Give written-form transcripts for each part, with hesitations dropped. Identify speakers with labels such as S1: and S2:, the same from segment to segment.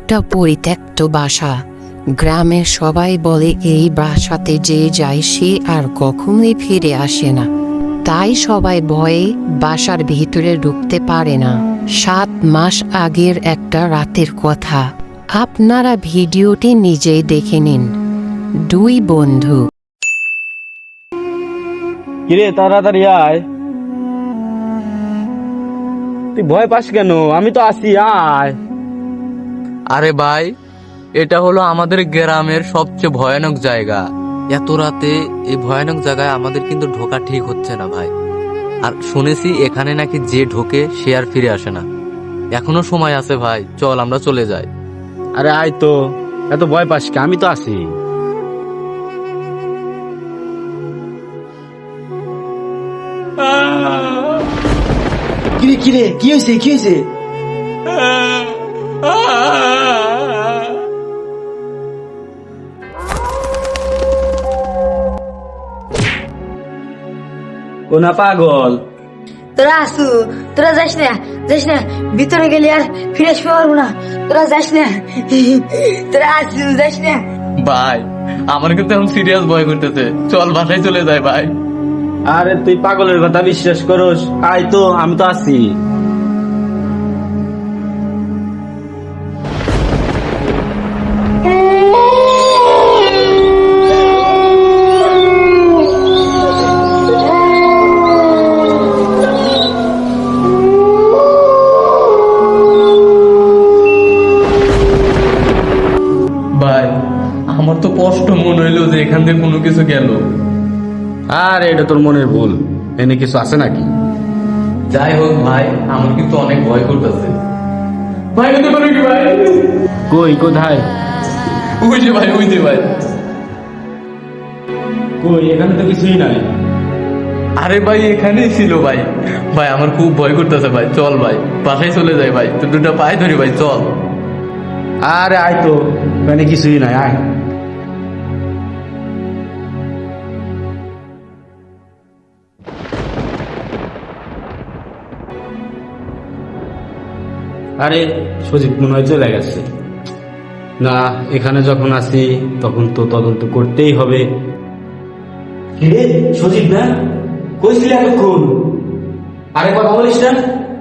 S1: একটা পরিত্যক্ত বাসা। গ্রামের সবাই বলে এই বাসাতে যে যায় সে আর কখনোই ফিরে আসে না। তাই সবাই ভয়ে বাসার ভিতরে ঢুকতে পারে না। 7 মাস আগের একটা রাতের কথা, আপনারা ভিডিওটি নিজেই দেখে নিন। 2 বন্ধু।
S2: কিরে তাড়াতাড়ি আয়। তুই ভয় পাস কেন? আমি তো আছি, আয়।
S3: আরে ভাই, এটা হলো আমাদের গ্রামের সবচেয়ে ভয়ানক জায়গা। এত রাতে এই ভয়ানক জায়গায় আমাদের কিন্তু ঢোকা ঠিক হচ্ছে না ভাই। আর শুনেছি এখানে নাকি যে ঢোকে সে আর ফিরে আসে না। এখনো সময় আছে ভাই, চল আমরা চলে যাই।
S2: আরে আয় তো, এত ভয় পাস কে? আমি তো আছি।
S4: কিরে কিরে কি হয়েছে কি হয়েছে?
S2: ও না পাগল।
S5: তোরা আসু, তোরা যাস না, যাস না, ভিতরে গেলে আর ফিরে আসতে পারবো না। তোরা যাস না, তোরা আসু, যাস না।
S3: ভাই, আমার কিন্তু এখন সিরিয়াস ভয় করতেছে, চল বাসায় চলে যাই ভাই।
S2: আরে তুই পাগলের কথা বিশ্বাস করস? আয় তো, আমি তো আছি।
S3: ভাই, আমার তো কষ্ট মনে হইলো যে এখান থেকে কোনো কিছু গেল।
S2: আরে এটা তোর মনের ভুল, এনে কিছু আছে নাকি?
S3: যাই হোক ভাই, আমার কিন্তু অনেক ভয় করতেছে। ভাই হতে পারে কি ভাই?
S2: কই কোথায়?
S3: ওই যে ভাই, ওই যে ভাই।
S2: কই, এখানে তো কিছুই নাই।
S3: আরে ভাই, এখানেই ছিল ভাই। ভাই আমার খুব ভয় করতেছে ভাই, চল ভাই বাসায় চলে যাই ভাই, তো দুটো পায়ে ধরি ভাই, চল।
S2: আরে আয় তো, এখানে কিছুই নাই, আয়। আরে সজীব মনে হয় চলে গেছে। না, এখানে যখন আসি তখন তো তদন্ত করতেই হবে।
S4: কিরে সজীব না? কইছিলি এতক্ষণ? আরে কথা বলিস না?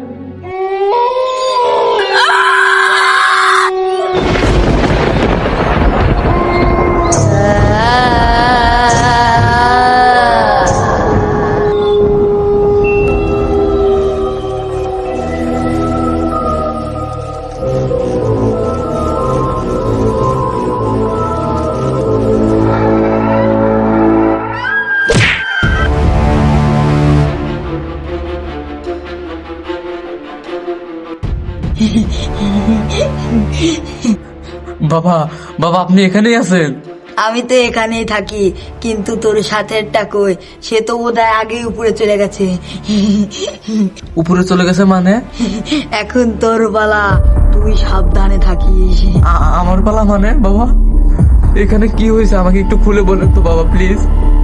S3: বাবা, বাবা আপনি এখানেই আছেন?
S5: আমি তো এখানেই থাকি, কিন্তু তোর সাথেরটা কই? সে তো বোধহয় আগেই উপরে চলে গেছে।
S3: উপরে চলে গেছে মানে?
S5: এখন তোর পালা, তুই সাবধানে থাকিস।
S3: আমার পালা মানে? বাবা, এখানে কি হয়েছে আমাকে একটু খুলে বলেন তো বাবা, প্লিজ।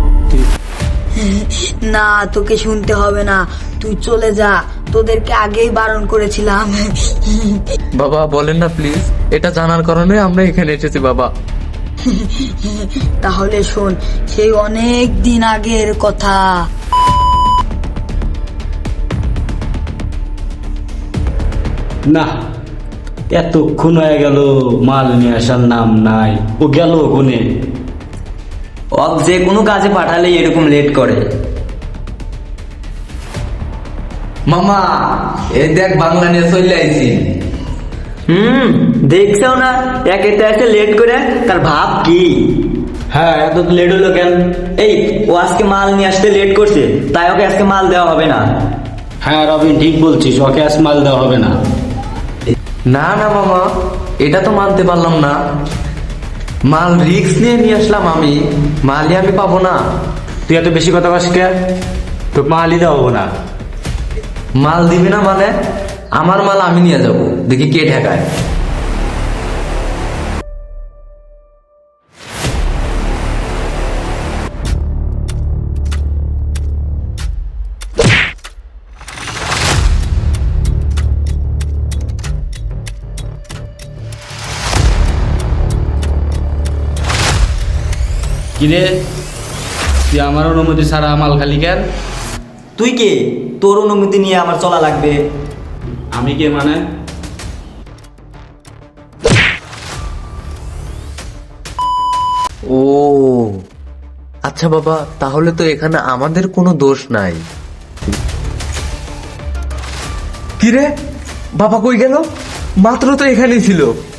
S5: না, তোকে শুনতে হবে না, তুই চলে যা, তোদেরকে আগেই বারণ করেছিলাম।
S3: বাবা বলেন না প্লিজ, এটা জানার কারণে আমরা এখানে এসেছি বাবা।
S5: তাহলে শোন, সেই অনেক দিন আগের কথা।
S2: না, এতক্ষণ হয়ে গেল, মাল নিয়ে আসার নাম নাই। ও গেল কোনে?
S4: ওক যে কোনো কাজে পাঠালে এরকম লেট করে।
S3: মামা, এই দেখ বাংলা নিয়ে চলে আইছি।
S4: দেখছো না, একেতে এসে লেট করে তার ভাব কি?
S2: হ্যাঁ, এত লেট হলো কেন?
S4: এই ও আজকে মাল নিয়ে আসতে লেট করছে, তাই ওকে আজকে মাল দেওয়া হবে না।
S2: হ্যাঁ রবিন, ঠিক বলছিস, ওকে আজ মাল দেওয়া হবে না।
S3: না না মামা, এটা তো মানতে পারলাম না। মাল রিস্ক নিয়ে নিয়ে আসলাম আমি, মালই আমি পাবো না।
S2: তুই এত বেশি কথা বলিস কে? তো মালই দেওয়া হবে না।
S3: মাল দিবে না মানে? আমার মাল আমি নিয়ে যাব, দেখি কে ঠেকায়।
S2: কিরে তুই আমার অনুমতি ছাড়া মাল খালি কেন?
S4: তুই কে? তোর অনুমতি নিয়ে আমার চলা লাগবে?
S2: আমি কে মানে?
S3: ও আচ্ছা বাবা, তাহলে তো এখানে আমাদের কোনো দোষ নাই। কিরে, বাবা কই গেল? মাত্র তো এখানেই ছিল।